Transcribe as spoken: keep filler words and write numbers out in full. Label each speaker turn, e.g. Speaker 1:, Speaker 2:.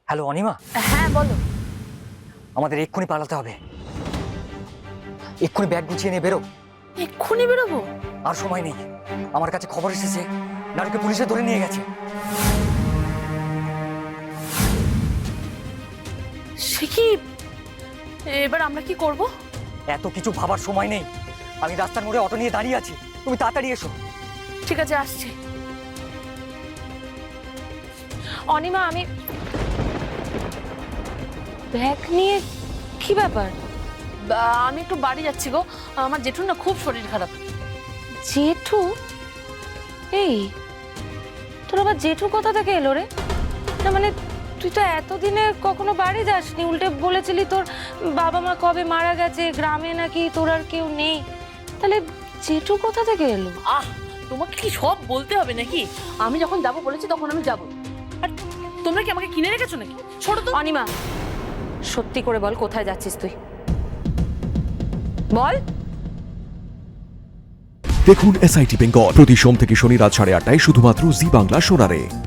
Speaker 1: Hello Anima,
Speaker 2: হ্যাঁ বলো।
Speaker 1: আমাদের এক্ষুনি পালাতে হবে। এক্ষুনি ব্যাগ গুছিয়ে নিয়ে বেরো।
Speaker 2: এক্ষুনি বেরোবো?
Speaker 1: আর সময় নেই। আমার কাছে খবর এসেছে নারুকে পুলিশে ধরে নিয়ে গেছে।
Speaker 2: সে কি? এবার আমরা কি করব?
Speaker 1: এত কিছু ভাবার সময় নেই। আমি রাস্তার মোড়ে অটো নিয়ে দাঁড়িয়ে আছি, তুমি তাড়াতাড়ি এসো।
Speaker 2: ঠিক আছে, আসছি। অনিমা, আমি ব্যাগ নিয়ে কি ব্যাপার? বা- আমি একটু বাড়ি যাচ্ছি গো, আমার জেঠুর না খুব শরীর খারাপ। জেঠু? এই তোর আবার জেঠু কোথা থেকে এলো রে? না মানে তুই তো এতদিনে কখনো বাড়ি যাসনি, উল্টে বলেছিলি তোর বাবা মা কবে মারা গেছে, গ্রামে নাকি তোর আর কেউ নেই। তাহলে জেঠু কোথা থেকে এলো?
Speaker 3: আহ, তোমাকে কি সব বলতে হবে নাকি? আমি যখন যাব বলেছি তখন আমি যাব। আর তোমরা কি আমাকে কিনে রেখেছো নাকি? ছোট তো।
Speaker 2: অনিমা, সত্যি করে বল কোথায় যাচ্ছিস তুই? বল।
Speaker 4: দেখুন এসআইটি বেঙ্গল প্রতি সোম থেকে শনি রাত সাড়ে আটটায় শুধুমাত্র জি বাংলা সোনারে।